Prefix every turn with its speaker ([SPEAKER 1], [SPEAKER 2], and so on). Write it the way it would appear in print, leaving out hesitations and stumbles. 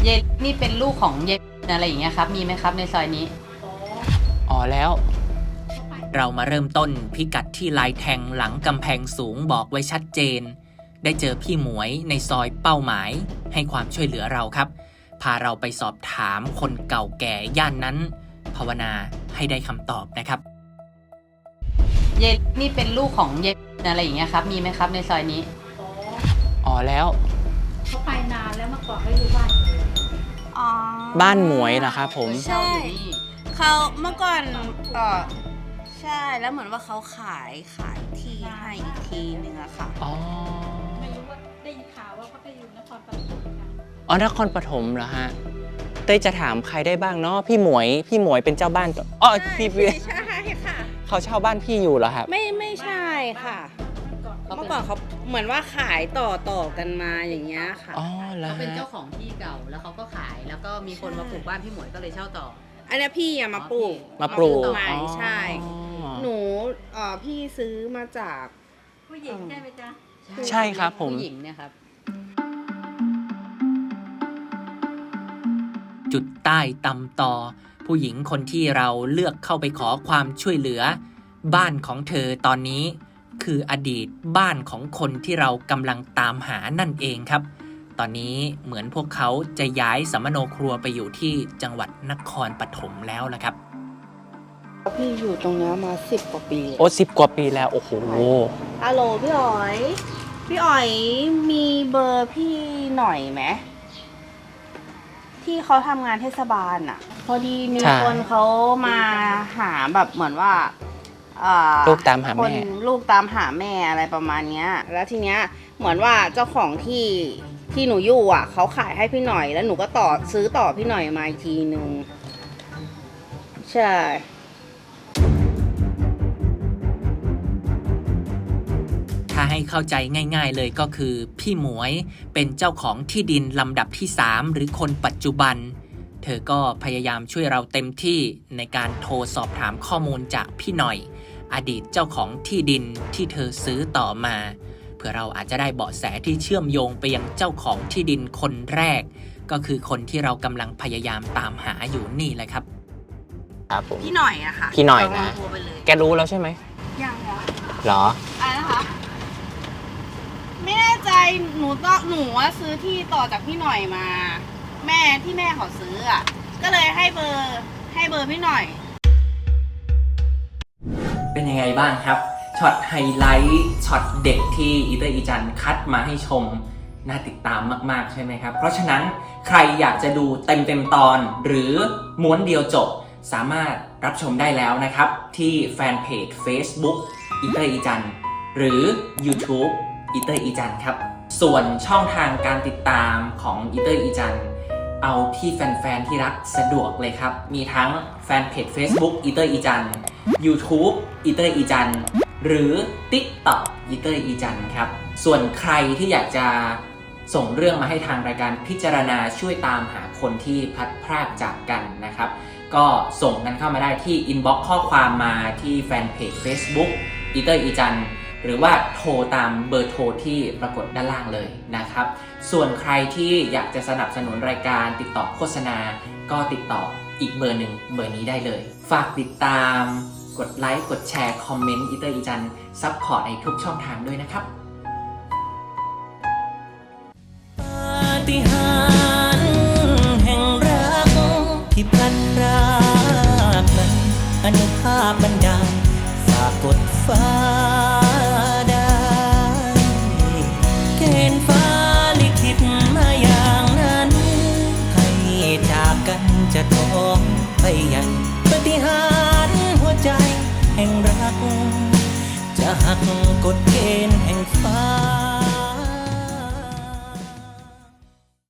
[SPEAKER 1] ยนี่เป็นลูกของเยอะไรอย่างเงี้ยครับมีไหมครับในซอยนี้
[SPEAKER 2] อ๋อแล้ว
[SPEAKER 3] เรามาเริ่มต้นพิกัดที่ลายแทงหลังกำแพงสูงบอกไว้ชัดเจนได้เจอพี่หมวยในซอยเป้าหมายให้ความช่วยเหลือเราครับพาเราไปสอบถามคนเก่าแก่ย่านนั้นภาวนาให้ได้คำตอบนะครับ
[SPEAKER 1] เยนี่เป็นลูกของเยอะไรอย่างเงี้ยครับมีไหมครับในซอยนี้
[SPEAKER 2] อ๋อแล้ว
[SPEAKER 4] เขาไปนานแล้วเมื่อก่อนเขาอยู่บ้าน
[SPEAKER 2] บ้านหมวยเหรอครับผม
[SPEAKER 5] ใช่เขาเมื่อก่อนใช่แล้วเหมือนว่าเขาขายที่ให้อีกทีนึงอะค่ะ
[SPEAKER 2] อ๋อ
[SPEAKER 4] ไม่รู้ว่าได้ยินข่าวว่าเขาไปอยู่นครปฐมกัน
[SPEAKER 2] อ๋อนครปฐมเหรอฮะเต้ยจะถามใครได้บ้างเนาะพี่หมวยเป็นเจ้าบ้านอ๋อพี่
[SPEAKER 5] ใช่ค่ะ
[SPEAKER 2] เขาเช่าบ้านพี่อยู่เหรอครับ
[SPEAKER 5] ไม่ใช่ค่ะเมื่อก่อนเขาเหมือนว่าขายต่อกันมาอย่างเงี้ยค่ะ
[SPEAKER 2] อ๋อแล้ว
[SPEAKER 1] เขาเป็นเจ้าของที่เก่าแล้วเขาก็ขายแล้วก็มีคนมาปลูกบ้านพี่หมวยก็เลยเช่าต่อ
[SPEAKER 5] อันนี้พี่อะมาปลูกใหม่ใช่หนูพี่ซื้อมาจาก
[SPEAKER 4] ผู้หญิงใช่ไหมจ๊ะ
[SPEAKER 2] ใช่ครับผม
[SPEAKER 1] ผู้หญิงเนี่ยครับ
[SPEAKER 3] จุดใต้ตำตอผู้หญิงคนที่เราเลือกเข้าไปขอความช่วยเหลือบ้านของเธอตอนนี้คืออดีตบ้านของคนที่เรากำลังตามหานั่นเองครับตอนนี้เหมือนพวกเขาจะย้ายสัมมโนครัวไปอยู่ที่จังหวัดนครปฐมแล้วละครับ
[SPEAKER 5] พี่อยู่ตรงนี้มา10 กว่าปี
[SPEAKER 2] โอ้10 กว่าปีแล้วโอ้โห
[SPEAKER 5] ฮัลโหลพี่อ๋อยมีเบอร์พี่หน่อยไหมที่เขาทำงานเทศบาลอ่ะพอดีมีคนเขามาหาแบบเหมือนว่า
[SPEAKER 2] ลูกตามหาแม่
[SPEAKER 5] ลูกตามหาแม่อะไรประมาณเนี้ยแล้วทีเนี้ยเหมือนว่าเจ้าของที่หนูอยู่อ่ะเขาขายให้พี่หน่อยแล้วหนูก็ซื้อต่อพี่หน่อยมาอีกทีนึงใช่
[SPEAKER 3] ถ้าให้เข้าใจง่ายๆเลยก็คือพี่หมวยเป็นเจ้าของที่ดินลำดับที่3หรือคนปัจจุบันเธอก็พยายามช่วยเราเต็มที่ในการโทรสอบถามข้อมูลจากพี่หน่อยอดีตเจ้าของที่ดินที่เธอซื้อต่อมาเพื่อเราอาจจะได้เบาะแสที่เชื่อมโยงไปยังเจ้าของที่ดินคนแรกก็คือคนที่เรากำลังพยายามตามหาอยู่นี่แหละครับ
[SPEAKER 2] ครับผม
[SPEAKER 5] พี่หน่อยอะค่ะ
[SPEAKER 2] พี่หน่อยนะแกรู้แล้วใช่ไหม
[SPEAKER 5] ยัง
[SPEAKER 2] เหรอ
[SPEAKER 5] อะไรนะคะไม่แน่ใจหนูว่าซื้อที่ต่อจากพี่หน่อยมาแม่เขาซื้ออ่ะก็เลยให้เบอร์พี่หน่อย
[SPEAKER 3] เป็นยังไงบ้างครับช็อตไฮไลท์ช็อตเด็กที่อีเตอร์อีจันคัดมาให้ชมน่าติดตามมากๆใช่ไหมครับเพราะฉะนั้นใครอยากจะดูเต็มตอนหรือม้วนเดียวจบสามารถรับชมได้แล้วนะครับที่แฟนเพจ Facebook อีเตอร์อีจันหรือ YouTube อีเตอร์อีจันครับส่วนช่องทางการติดตามของอีเตอร์อีจันเอาที่แฟนๆที่รักสะดวกเลยครับมีทั้งแฟนเพจ Facebook อีเตอร์อีจัน YouTube อีเตอร์อีจันหรือ TikTok อีเตอร์อีจันครับส่วนใครที่อยากจะส่งเรื่องมาให้ทางรายการพิจารณาช่วยตามหาคนที่พลัดพรากจากกันนะครับก็ส่งกันเข้ามาได้ที่ inbox ข้อความมาที่แฟนเพจ Facebook อีเตอร์อีจันหรือว่าโทรตามเบอร์โทรที่ปรากฏด้านล่างเลยนะครับส่วนใครที่อยากจะสนับสนุนรายการติดต่อโฆษณาก็ติดต่ออีกเบอร์หนึ่งเบอร์นี้ได้เลยฝากติดตามกดไลค์กดแชร์คอมเมนต์อีเตอร์อีจันซัพพอร์ตในทุกช่องทางด้วยนะครับปาฏิหาริย์แห่งรักที่พลันพรากนั้นอนุภาพบันดาลฝากกดฟ้าได้เกณฑ์ฟ้าลิขิตมาอย่างนั้นให้จากกันจะท้องไปยังปาฏิหาริย์หัวใจแห่งรักจะหักกฎเกณฑ์แห่งฟ้า